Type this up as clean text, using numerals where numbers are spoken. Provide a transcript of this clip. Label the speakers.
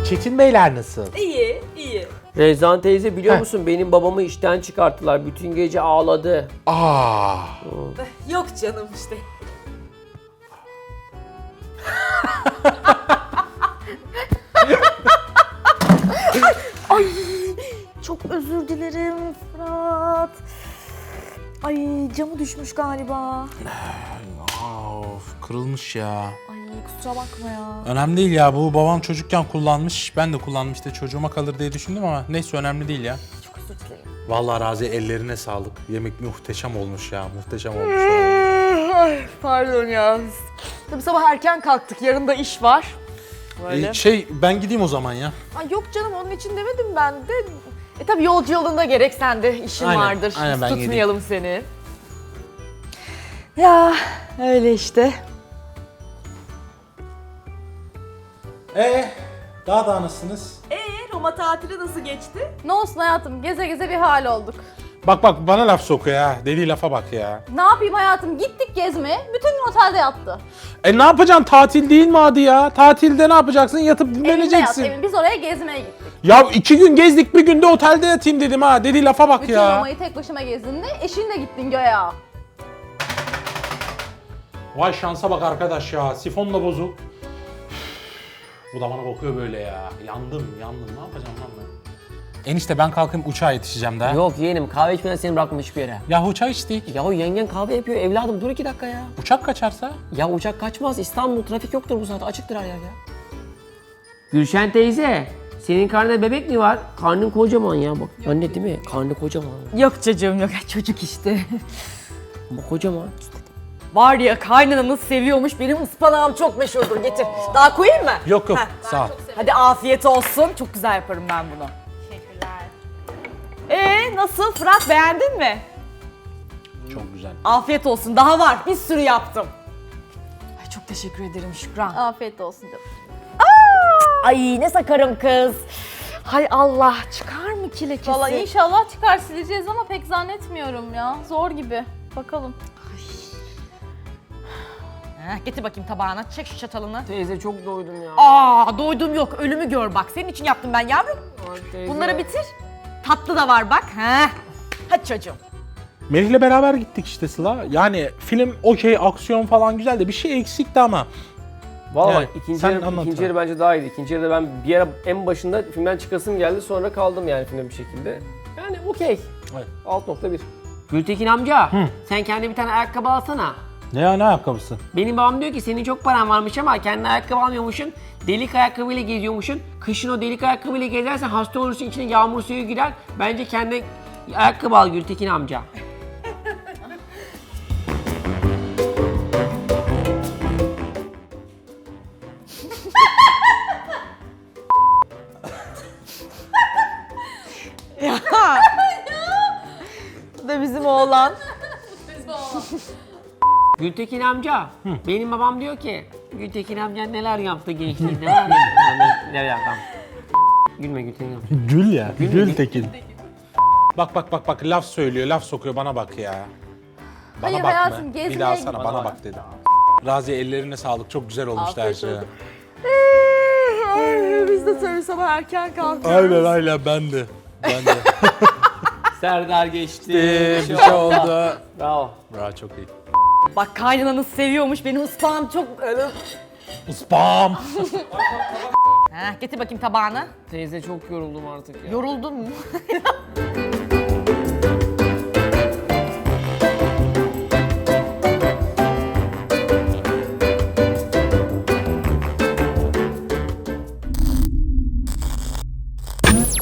Speaker 1: Çetin Beyler nasıl?
Speaker 2: İyi, iyi.
Speaker 3: Rezan teyze biliyor musun benim babamı işten çıkarttılar. Bütün gece ağladı.
Speaker 1: Aa.
Speaker 2: Yok canım işte.
Speaker 4: Ay çok özür dilerim Fırat. Ay camı düşmüş galiba.
Speaker 1: Of, kırılmış ya.
Speaker 4: Ay kusura bakma ya.
Speaker 1: Önemli değil ya, bu babam çocukken kullanmış. Ben de kullanmıştım, çocuğuma kalır diye düşündüm ama neyse, önemli değil ya.
Speaker 4: Çok özür dilerim.
Speaker 1: Vallahi Razi, ellerine sağlık. Yemek muhteşem olmuş ya, muhteşem olmuş.
Speaker 4: Ay pardon ya. Tabii sabah erken kalktık. Yarın da iş var. Böyle.
Speaker 1: Ben gideyim o zaman ya.
Speaker 4: Ay yok canım onun için demedim ben de. Tabii yolcu yolunda gerek sende işin
Speaker 1: Aynen,
Speaker 4: vardır.
Speaker 1: aynen,
Speaker 4: Biz
Speaker 1: ben
Speaker 4: tutmayalım seni. Ya öyle işte.
Speaker 1: Daha nasılsınız?
Speaker 2: Roma tatili nasıl geçti?
Speaker 5: Ne olsun hayatım, geze geze bir hal olduk.
Speaker 1: Bak bana laf sokuyor ha. Dediği lafa bak ya.
Speaker 5: Ne yapayım hayatım, gittik gezmeye, bütün gün otelde yattı.
Speaker 1: Ne yapacaksın? Tatil değil mi adı ya? Tatilde ne yapacaksın? Yatıp
Speaker 5: Evinde yat,
Speaker 1: dinleneceksin.
Speaker 5: biz oraya gezmeye gittik.
Speaker 1: Ya 2 gün gezdik, bir günde otelde yatayım dedim ha. Dediği lafa bak
Speaker 5: Bütün
Speaker 1: ya.
Speaker 5: Roma'yı tek başıma gezdin de eşinle gittin göya.
Speaker 1: Vay şansa bak arkadaş ya. Sifon da bozuk. Bu da bana bakıyor böyle ya. Yandım. Ne yapacağım lan ben? Enişte ben kalkayım, uçağa yetişeceğim daha.
Speaker 3: Yok yeğenim kahve içmeden seni bırakmam hiçbir yere.
Speaker 1: Ya uçağa içtik.
Speaker 3: Ya yengen kahve yapıyor evladım dur 2 dakika ya.
Speaker 1: Uçak kaçarsa?
Speaker 3: Ya uçak kaçmaz İstanbul trafik yoktur bu saatte açıktır her yer ya. Gülşen teyze senin karnında bebek mi var? Karnın kocaman ya bak. Anne değil mi? Karnı kocaman.
Speaker 4: Yok çocuğum yok çocuk işte.
Speaker 3: Ama kocaman.
Speaker 4: Var ya kaynananız seviyormuş benim ıspanağım çok meşhurdur getir. Daha koyayım mı?
Speaker 1: Yok sağ ol.
Speaker 4: Hadi afiyet olsun. Çok güzel yaparım ben bunu. Teşekkürler. Nasıl Fırat beğendin mi?
Speaker 1: Çok güzel.
Speaker 4: Afiyet olsun. Daha var. Bir sürü yaptım. Ay çok teşekkür ederim Şükran.
Speaker 5: Afiyet olsun canım.
Speaker 4: Ay ne sakarım kız. Hay Allah çıkar mı ki lekesi?
Speaker 5: Valla inşallah çıkar, sileceğiz ama pek zannetmiyorum ya. Zor gibi. Bakalım.
Speaker 4: Getir bakayım tabağına. Çek şu çatalını.
Speaker 3: Teyze çok doydum ya.
Speaker 4: Doydum yok. Ölümü gör bak. Senin için yaptım ben yavrum.
Speaker 3: Ay teyze.
Speaker 4: Bunları bitir. Tatlı da var bak. Hadi çocuğum.
Speaker 1: Melih'le beraber gittik işte Sıla. Yani film okey, aksiyon falan güzel de bir şey eksikti ama.
Speaker 3: Valla
Speaker 1: Yani,
Speaker 3: ikinci
Speaker 1: sen
Speaker 3: yarı,
Speaker 1: anlat
Speaker 3: ikinci
Speaker 1: bana.
Speaker 3: yarı bence daha iyiydi. İkinci yarıda ben bir ara en başında filmden çıkasım geldi sonra kaldım yani filmde bir şekilde. Yani okey.
Speaker 1: Evet.
Speaker 3: 6.1. Gültekin amca sen kendine bir tane ayakkabı alsana.
Speaker 1: Ne ayakkabısı?
Speaker 3: Benim babam diyor ki senin çok paran varmış ama kendine ayakkabı almıyormuşsun. Delik ayakkabıyla geziyormuşsun. Kışın o delik ayakkabıyla gezersen hasta olursun, içine yağmur suyu girer. Bence kendine ayakkabı al Gültekin amca.
Speaker 4: Bu da bizim oğlan.
Speaker 3: Gültekin amca, benim babam diyor ki Gültekin amca neler yaptı gençliğinde var ya. Neler yaptı? Gülme Gültekin amca.
Speaker 1: Gül ya.
Speaker 3: Gültekin.
Speaker 1: Bak laf söylüyor, laf sokuyor, bana bak ya. Bana
Speaker 5: Hayır
Speaker 1: bakma.
Speaker 5: hayatım,
Speaker 1: Bir
Speaker 5: gezmeye
Speaker 1: daha sana
Speaker 5: gittik.
Speaker 1: bana bak dedim. Razi ellerine sağlık, çok güzel olmuştu her
Speaker 5: Afiyet
Speaker 1: şey.
Speaker 5: olsun.
Speaker 4: Biz de tabii sabah erken kalkıyoruz.
Speaker 1: Aynen ben de.
Speaker 3: Serdar geçti.
Speaker 1: Bir şey oldu.
Speaker 3: Bravo.
Speaker 1: Bravo, çok iyi.
Speaker 4: Bak kaynananız seviyormuş. Benim ıspağım çok...
Speaker 1: Spam.
Speaker 4: Getir bakayım tabağını.
Speaker 3: Teyze çok yoruldum artık ya.
Speaker 4: Yoruldun mu?